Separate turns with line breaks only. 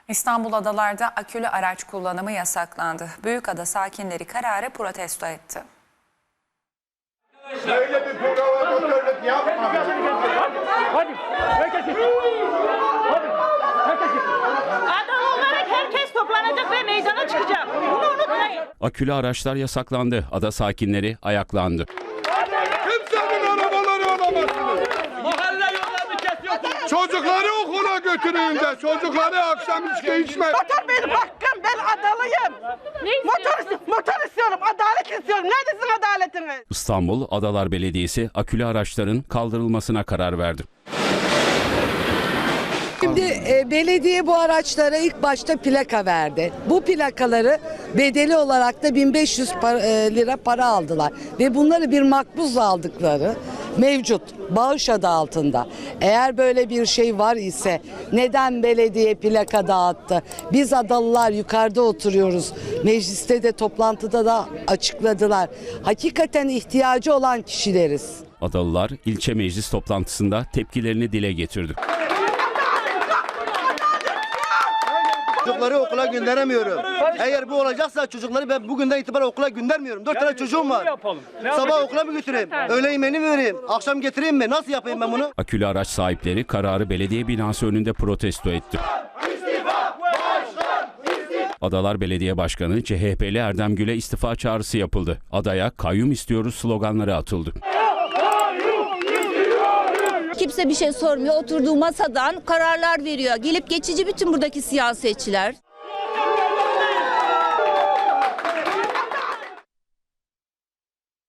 İstanbul adalarda akülü araç kullanımı yasaklandı. Büyükada sakinleri kararı protesto etti.
Böyle bir provokatörlük yapma.
Hadi, herkes gitsin. Hadi, herkes gitsin.
Adam olarak herkes toplanacak ve meydana çıkacak. Bunu unutmayın.
Akülü araçlar yasaklandı. Ada sakinleri ayaklandı.
Kimsenin arabaları alamazsınız.
Mahalle yollarını kesiyorsunuz.
Çocukları okula götürün de. Çocukları akşam içki içme.
Motor benim hakkım. Ben adalıyım. Motor istiyorum. Adalet istiyorum. Neredesin adaletiniz?
İstanbul Adalar Belediyesi akülü araçların kaldırılmasına karar verdi.
Şimdi belediye bu araçlara ilk başta plaka verdi. Bu plakaları bedeli olarak da 1500 lira para aldılar. Ve bunları bir makbuzla aldıkları mevcut bağış adı altında. Eğer böyle bir şey var ise neden belediye plaka dağıttı? Biz Adalılar yukarıda oturuyoruz. Mecliste de toplantıda da açıkladılar. Hakikaten ihtiyacı olan kişileriz.
Adalılar ilçe meclis toplantısında tepkilerini dile getirdi.
Çocukları okula gönderemiyorum. Eğer bu olacaksa çocukları ben bugünden itibaren okula göndermiyorum. 4 tane çocuğum var. Sabah okula mı götüreyim? Öğle yemeğini mi vereyim? Akşam getireyim mi? Nasıl yapayım ben bunu?
Akülü araç sahipleri kararı belediye binası önünde protesto etti. Adalar Belediye Başkanı CHP'li Erdem Gül'e istifa çağrısı yapıldı. Adaya kayyum istiyoruz sloganları atıldı.
Kimse bir şey sormuyor. Oturduğu masadan kararlar veriyor. Gelip geçici bütün buradaki siyasetçiler.